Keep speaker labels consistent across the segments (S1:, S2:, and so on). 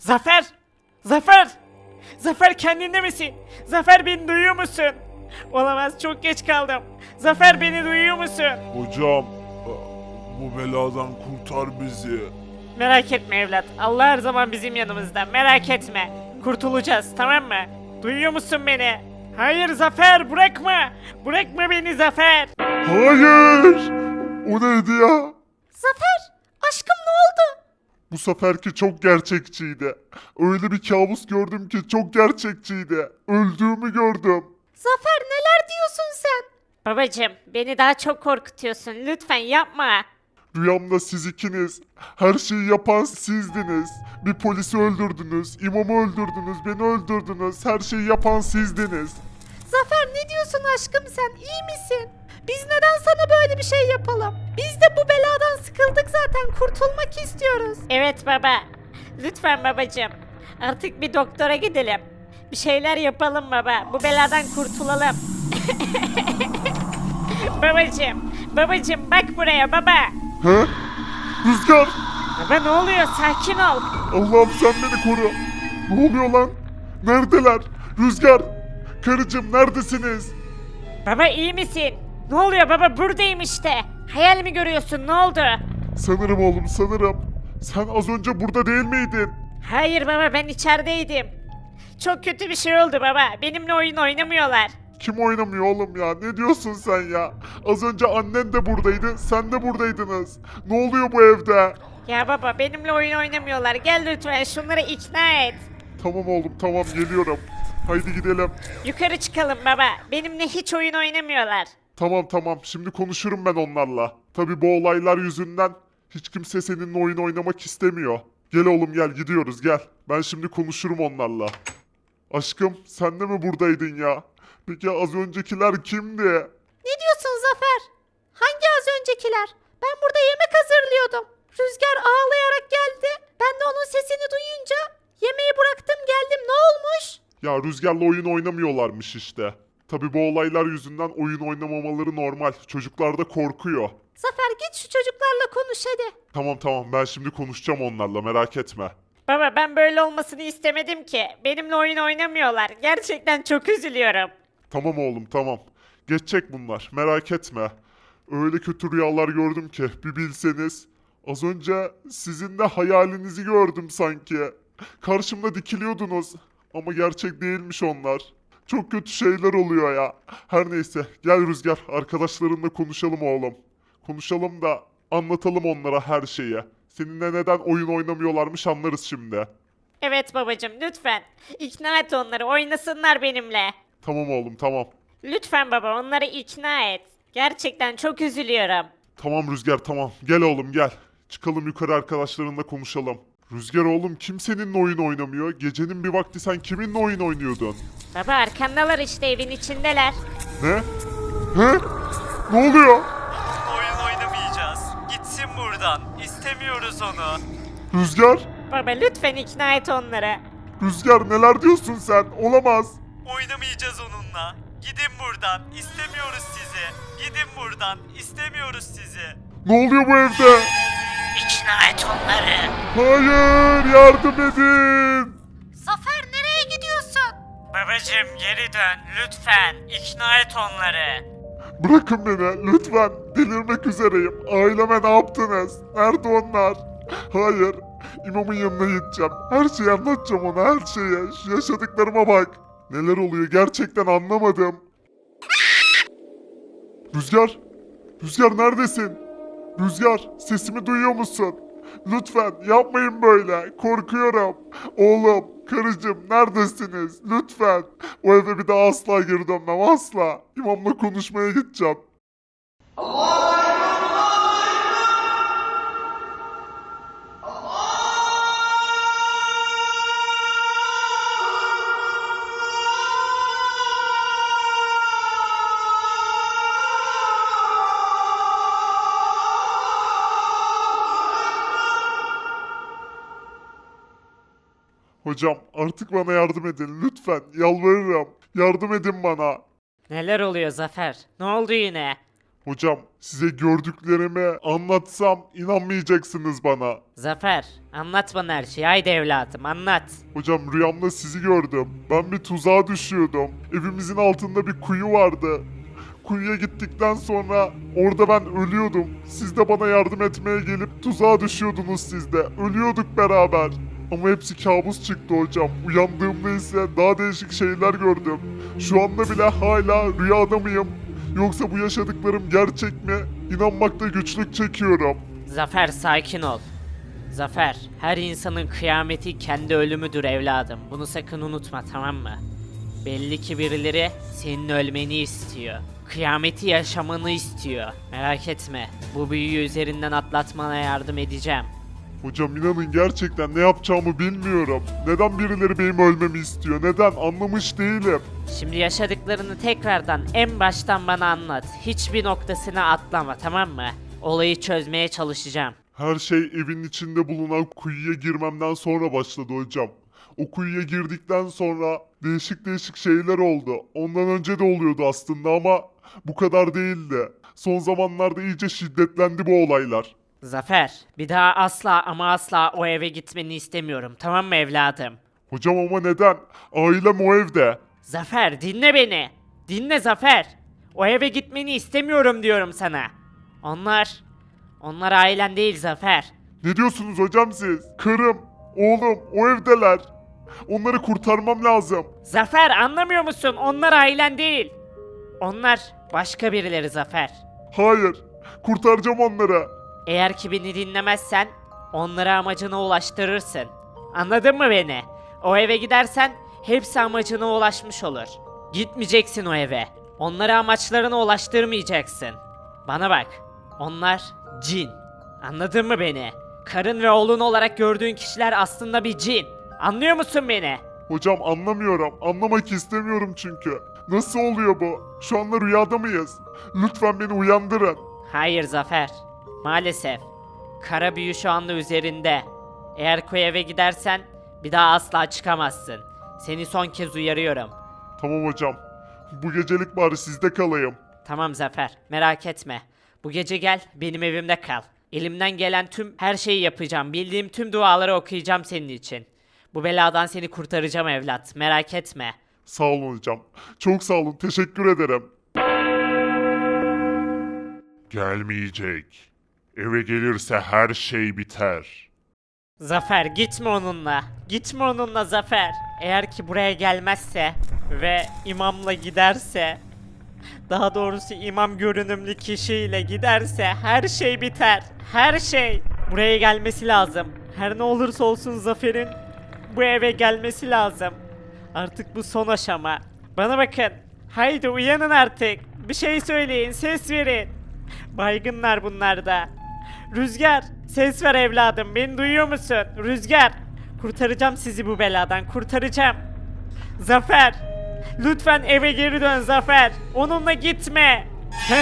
S1: Zafer! Zafer! Zafer kendinde misin? Zafer beni duyuyor musun? Olamaz çok geç kaldım. Zafer beni duyuyor musun?
S2: Hocam, bu beladan kurtar bizi.
S1: Merak etme evlat. Allah her zaman bizim yanımızda. Merak etme. Kurtulacağız tamam mı? Duyuyor musun beni? Hayır Zafer bırakma. Bırakma beni Zafer.
S2: Hayır! O neydi ya?
S1: Zafer aşkım ne oldu?
S2: Bu seferki çok gerçekçiydi. Öyle bir kabus gördüm ki çok gerçekçiydi. Öldüğümü gördüm.
S1: Zafer neler diyorsun sen? Babacım beni daha çok korkutuyorsun. Lütfen yapma.
S2: Rüyamda siz ikiniz, her şeyi yapan sizdiniz. Bir polisi öldürdünüz, imamı öldürdünüz, beni öldürdünüz. Her şeyi yapan sizdiniz.
S1: Zafer ne diyorsun aşkım sen? İyi misin? Biz neden sana böyle bir şey yapalım? Biz de bu beladan sıkıldık zaten. Kurtulmak istiyoruz. Evet baba. Lütfen babacığım. Artık bir doktora gidelim. Bir şeyler yapalım baba. Bu beladan kurtulalım. Babacığım. Babacığım bak buraya baba.
S2: He? Rüzgar!
S1: Baba ne oluyor? Sakin ol.
S2: Allah'ım sen beni koru. Ne oluyor lan? Neredeler? Rüzgar! Karıcığım neredesiniz?
S1: Baba iyi misin? Ne oluyor baba? Buradayım işte. Hayal mi görüyorsun? Ne oldu?
S2: Sanırım oğlum sanırım. Sen az önce burada değil miydin?
S1: Hayır baba ben içerideydim. Çok kötü bir şey oldu baba. Benimle oyun oynamıyorlar.
S2: Kim oynamıyor oğlum ya? Ne diyorsun sen ya? Az önce annen de buradaydı, sen de buradaydınız. Ne oluyor bu evde?
S1: Ya baba benimle oyun oynamıyorlar. Gel lütfen şunları ikna et.
S2: Tamam oğlum tamam geliyorum. Haydi gidelim.
S1: Yukarı çıkalım baba. Benimle hiç oyun oynamıyorlar.
S2: Tamam tamam şimdi konuşurum ben onlarla. Tabi bu olaylar yüzünden hiç kimse seninle oyun oynamak istemiyor. Gel oğlum gel gidiyoruz gel. Ben şimdi konuşurum onlarla. Aşkım sen de mi buradaydın ya? Peki az öncekiler kimdi?
S1: Ne diyorsun Zafer? Hangi az öncekiler? Ben burada yemek hazırlıyordum. Rüzgar ağlayarak geldi. Ben de onun sesini duyunca yemeği bıraktım geldim. Ne olmuş?
S2: Ya Rüzgar'la oyun oynamıyorlarmış işte. Tabi bu olaylar yüzünden oyun oynamamaları normal. Çocuklar da korkuyor.
S1: Zafer git şu çocuklarla konuş hadi.
S2: Tamam tamam ben şimdi konuşacağım onlarla merak etme.
S1: Baba ben böyle olmasını istemedim ki. Benimle oyun oynamıyorlar. Gerçekten çok üzülüyorum.
S2: Tamam oğlum tamam. Geçecek bunlar merak etme. Öyle kötü rüyalar gördüm ki bir bilseniz. Az önce sizin de hayalinizi gördüm sanki. Karşımda dikiliyordunuz. Ama gerçek değilmiş onlar. Çok kötü şeyler oluyor ya. Her neyse gel Rüzgar arkadaşlarınla konuşalım oğlum. Konuşalım da anlatalım onlara her şeyi. Seninle neden oyun oynamıyorlarmış anlarız şimdi.
S1: Evet babacım lütfen. İkna et onları oynasınlar benimle.
S2: Tamam oğlum tamam.
S1: Lütfen baba onları ikna et. Gerçekten çok üzülüyorum.
S2: Tamam Rüzgar tamam. Gel oğlum gel. Çıkalım yukarı arkadaşlarınla konuşalım. Rüzgar oğlum kim seninle oyun oynamıyor? Gecenin bir vakti sen kiminle oyun oynuyordun?
S1: Baba arkandalar işte evin içindeler.
S2: Ne? He? Ne oluyor?
S3: Oyun oynamayacağız. Gitsin buradan. İstemiyoruz onu.
S2: Rüzgar?
S1: Baba lütfen ikna et onları.
S2: Rüzgar neler diyorsun sen? Olamaz.
S3: Oynamayacağız onunla. Gidin buradan. İstemiyoruz sizi. Gidin buradan. İstemiyoruz sizi.
S2: Ne oluyor bu evde?
S1: İkna et onları.
S2: Hayır yardım edin.
S1: Zafer nereye gidiyorsun? Babacım geri dön lütfen. İkna et onları.
S2: Bırakın beni lütfen. Delirmek üzereyim. Aileme ne yaptınız? Nerede onlar? Hayır. İmamın yanına gideceğim. Her şeyi anlatacağım ona her şeyi. Şu yaşadıklarıma bak. Neler oluyor gerçekten anlamadım. Rüzgar. Rüzgar neredesin? Rüzgar sesimi duyuyor musun? Lütfen yapmayın böyle. Korkuyorum. Oğlum, karıcığım neredesiniz? Lütfen. O eve bir daha asla geri dönmem asla. İmamla konuşmaya gideceğim. Hocam artık bana yardım edin lütfen. Yalvarırım. Yardım edin bana.
S1: Neler oluyor Zafer? Ne oldu yine?
S2: Hocam size gördüklerimi anlatsam inanmayacaksınız bana.
S1: Zafer, anlat bana her şeyi. Haydi evladım, anlat.
S2: Hocam rüyamda sizi gördüm. Ben bir tuzağa düşüyordum. Evimizin altında bir kuyu vardı. Kuyuya gittikten sonra orada ben ölüyordum. Siz de bana yardım etmeye gelip tuzağa düşüyordunuz siz de. Ölüyorduk beraber. Ama hepsi kabus çıktı hocam. Uyandığımda ise daha değişik şeyler gördüm. Şu anda bile hala rüyada mıyım? Yoksa bu yaşadıklarım gerçek mi? İnanmakta güçlük çekiyorum.
S1: Zafer, sakin ol. Zafer, her insanın kıyameti kendi ölümüdür evladım. Bunu sakın unutma, tamam mı? Belli ki birileri senin ölmeni istiyor. Kıyameti yaşamanı istiyor. Merak etme, bu büyüyü üzerinden atlatmana yardım edeceğim.
S2: Hocam inanın gerçekten ne yapacağımı bilmiyorum. Neden birileri benim ölmemi istiyor? Neden? Anlamış değilim.
S1: Şimdi yaşadıklarını tekrardan en baştan bana anlat. Hiçbir noktasına atlama, tamam mı? Olayı çözmeye çalışacağım.
S2: Her şey evin içinde bulunan kuyuya girmemden sonra başladı hocam. O kuyuya girdikten sonra değişik değişik şeyler oldu. Ondan önce de oluyordu aslında ama bu kadar değildi. Son zamanlarda iyice şiddetlendi bu olaylar.
S1: Zafer, bir daha asla ama asla o eve gitmeni istemiyorum, tamam mı evladım?
S2: Hocam ama neden? Ailem o evde.
S1: Zafer, dinle beni. Dinle Zafer. O eve gitmeni istemiyorum diyorum sana. Onlar ailen değil Zafer.
S2: Ne diyorsunuz hocam siz? Karım, oğlum o evdeler. Onları kurtarmam lazım.
S1: Zafer, anlamıyor musun? Onlar ailen değil. Onlar başka birileri Zafer.
S2: Hayır, kurtaracağım onları.
S1: Eğer ki beni dinlemezsen onları amacına ulaştırırsın. Anladın mı beni? O eve gidersen hepsi amacına ulaşmış olur. Gitmeyeceksin o eve. Onları amaçlarına ulaştırmayacaksın. Bana bak. Onlar cin. Anladın mı beni? Karın ve oğlun olarak gördüğün kişiler aslında bir cin. Anlıyor musun beni?
S2: Hocam anlamıyorum. Anlamak istemiyorum çünkü. Nasıl oluyor bu? Şu anda rüyada mıyız? Lütfen beni uyandırın.
S1: Hayır Zafer. Maalesef. Kara büyü şu anda üzerinde. Eğer koy eve gidersen bir daha asla çıkamazsın. Seni son kez uyarıyorum.
S2: Tamam hocam. Bu gecelik bari sizde kalayım.
S1: Tamam Zafer, merak etme. Bu gece gel, benim evimde kal. Elimden gelen tüm her şeyi yapacağım. Bildiğim tüm duaları okuyacağım senin için. Bu beladan seni kurtaracağım evlat, merak etme.
S2: Sağ olun hocam. Çok sağ olun. Teşekkür ederim. Gelmeyecek. Eve gelirse her şey biter.
S1: Zafer, gitme onunla. Gitme onunla Zafer. Eğer ki buraya gelmezse ve imamla giderse, daha doğrusu imam görünümlü kişiyle giderse her şey biter. Her şey. Buraya gelmesi lazım. Her ne olursa olsun Zafer'in bu eve gelmesi lazım. Artık bu son aşama. Bana bakın. Haydi uyanın artık. Bir şey söyleyin, ses verin. Baygınlar bunlar da. Rüzgar, ses ver evladım. Beni duyuyor musun? Rüzgar. Kurtaracağım sizi bu beladan. Kurtaracağım. Zafer. Lütfen eve geri dön Zafer. Onunla gitme. Heh.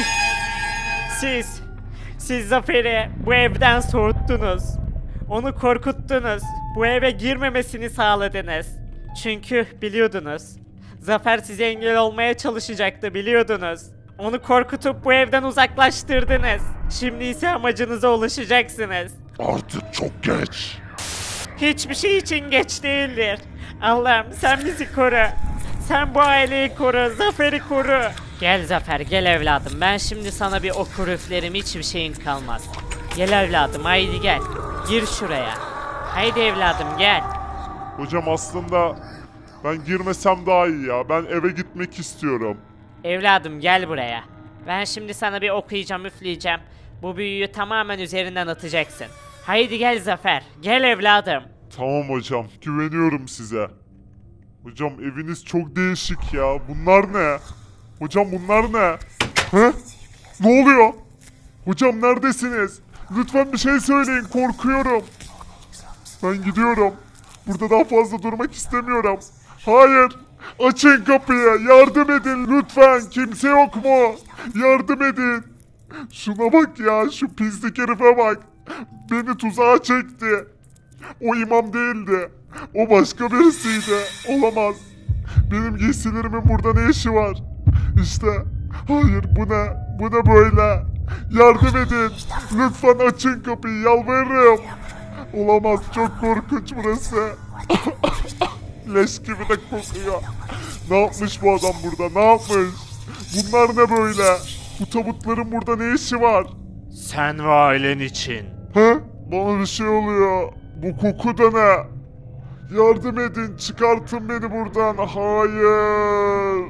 S1: Siz Zafer'i bu evden soğuttunuz. Onu korkuttunuz. Bu eve girmemesini sağladınız. Çünkü biliyordunuz. Zafer size engel olmaya çalışacaktı, biliyordunuz. Onu korkutup bu evden uzaklaştırdınız. Şimdi ise amacınıza ulaşacaksınız.
S2: Artık çok geç.
S1: Hiçbir şey için geç değildir. Allah'ım sen bizi koru. Sen bu aileyi koru, Zafer'i koru. Gel Zafer, gel evladım. Ben şimdi sana bir okur üflerim, hiçbir şeyin kalmaz. Gel evladım, haydi gel. Gir şuraya. Haydi evladım gel.
S2: Hocam aslında ben girmesem daha iyi ya. Ben eve gitmek istiyorum.
S1: Evladım gel buraya. Ben şimdi sana bir okuyacağım, üfleyeceğim. Bu büyüyü tamamen üzerinden atacaksın. Haydi gel Zafer, gel evladım.
S2: Tamam hocam. Güveniyorum size. Hocam eviniz çok değişik ya. Bunlar ne? Hocam bunlar ne? He? Ne oluyor? Hocam neredesiniz? Lütfen bir şey söyleyin. Korkuyorum. Ben gidiyorum. Burada daha fazla durmak istemiyorum. Hayır. Açın kapıyı. Yardım edin lütfen. Kimse yok mu? Yardım edin. Şuna bak ya. Şu pislik herife bak. Beni tuzağa çekti. O imam değildi. O başka birisiydi. Olamaz. Benim giysilerimin burada ne işi var? İşte Hayır, bu ne? Bu ne böyle? Yardım edin. Lütfen açın kapıyı, yalvarırım. Olamaz, çok korkunç burası. Leş gibi de kokuyor. Ne yapmış bu adam burada? Ne yapmış? Bunlar ne böyle? Bu tabutların burada ne işi var?
S3: Sen ve ailen için.
S2: He? Bana bir şey oluyor. Bu koku da ne? Yardım edin, çıkartın beni buradan. Hayır.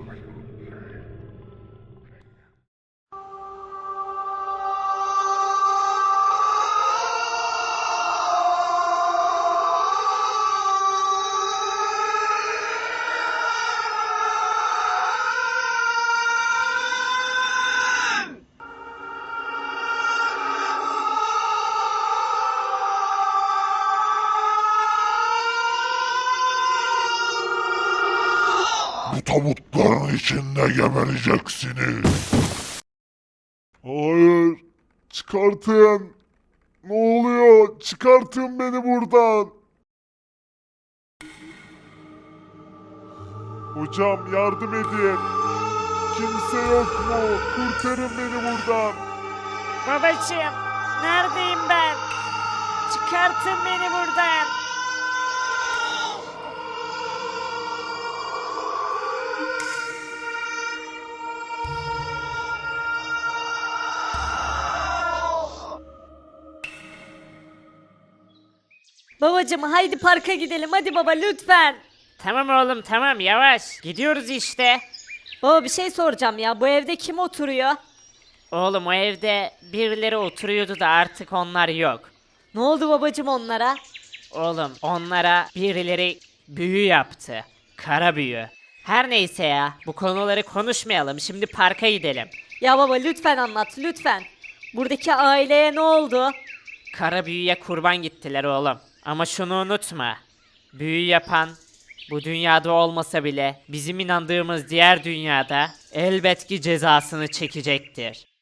S2: Bu tabutların içinde gebereceksiniz. Hayır. Çıkartın. Ne oluyor? Çıkartın beni buradan. Hocam yardım edin. Kimse yok mu? Kurtarın beni buradan.
S1: Babacığım, neredeyim ben? Çıkartın beni buradan. Babacığım haydi parka gidelim hadi baba lütfen. Tamam oğlum tamam yavaş. Gidiyoruz işte. Baba bir şey soracağım ya bu evde kim oturuyor? Oğlum o evde birileri oturuyordu da artık onlar yok. Ne oldu babacığım onlara? Oğlum onlara birileri büyü yaptı. Kara büyü. Her neyse ya bu konuları konuşmayalım şimdi parka gidelim. Ya baba lütfen anlat lütfen. Buradaki aileye ne oldu? Kara büyüye kurban gittiler oğlum. Ama şunu unutma. Büyü yapan bu dünyada olmasa bile bizim inandığımız diğer dünyada elbet ki cezasını çekecektir.